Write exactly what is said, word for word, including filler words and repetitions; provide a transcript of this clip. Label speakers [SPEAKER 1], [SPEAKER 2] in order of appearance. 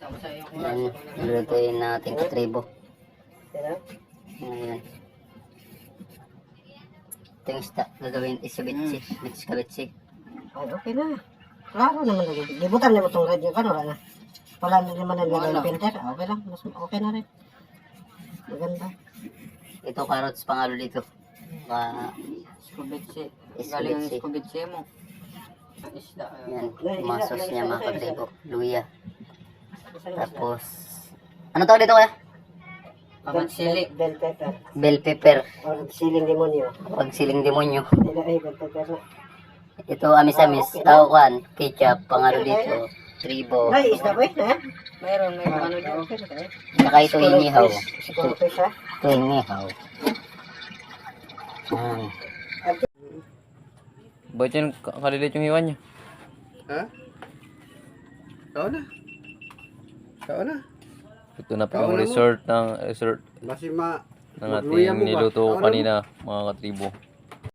[SPEAKER 1] Yan, lulutuin natin katribo. Ayan. Ito yung isda, gagawin isabitsi, bits kabitsi.
[SPEAKER 2] Ay, okay na. Klaro naman lagi. Libutan niyo mo itong red yung kan, wala na. Wala na naman na nilagay ng filter. Okay lang, mas okay na rin. Maganda.
[SPEAKER 1] Ito carrots pangalo dito. Uh,
[SPEAKER 3] Skubitsi.
[SPEAKER 1] Skubitsi.
[SPEAKER 3] Galing ang skubitsi mo. Isda.
[SPEAKER 1] yan, masos niya mga katribo. Luya. Tapos, ano tawag dito kaya?
[SPEAKER 3] Pamatsili.
[SPEAKER 2] Bell pepper.
[SPEAKER 1] Bell pepper.
[SPEAKER 2] Or siling demonyo.
[SPEAKER 1] Pag siling demonyo.
[SPEAKER 2] Hindi ay bell pepper na.
[SPEAKER 1] Ito amis-amis. Tawakan. Ketchup. Pangalo dito. Tribo.
[SPEAKER 2] Ay, isda ko eh. Ha?
[SPEAKER 3] Meron, may ano
[SPEAKER 2] Okay,
[SPEAKER 3] dyan.
[SPEAKER 2] okay na tayo.
[SPEAKER 1] Saka ito inihaw.
[SPEAKER 2] Siguro fish ha?
[SPEAKER 1] Ito inihaw. Yan.
[SPEAKER 4] Ba't yan ka- kalilit yung hiwa niya?
[SPEAKER 5] Ha? Kao na. Kao na.
[SPEAKER 4] Ito na po
[SPEAKER 5] Kauna
[SPEAKER 4] yung
[SPEAKER 5] mo.
[SPEAKER 4] resort ng resort
[SPEAKER 5] Basi ma...
[SPEAKER 4] ng
[SPEAKER 5] magluya
[SPEAKER 4] ating
[SPEAKER 5] mo ba?
[SPEAKER 4] niluto ko
[SPEAKER 5] Kauna mo.
[SPEAKER 4] kanina mga katribo.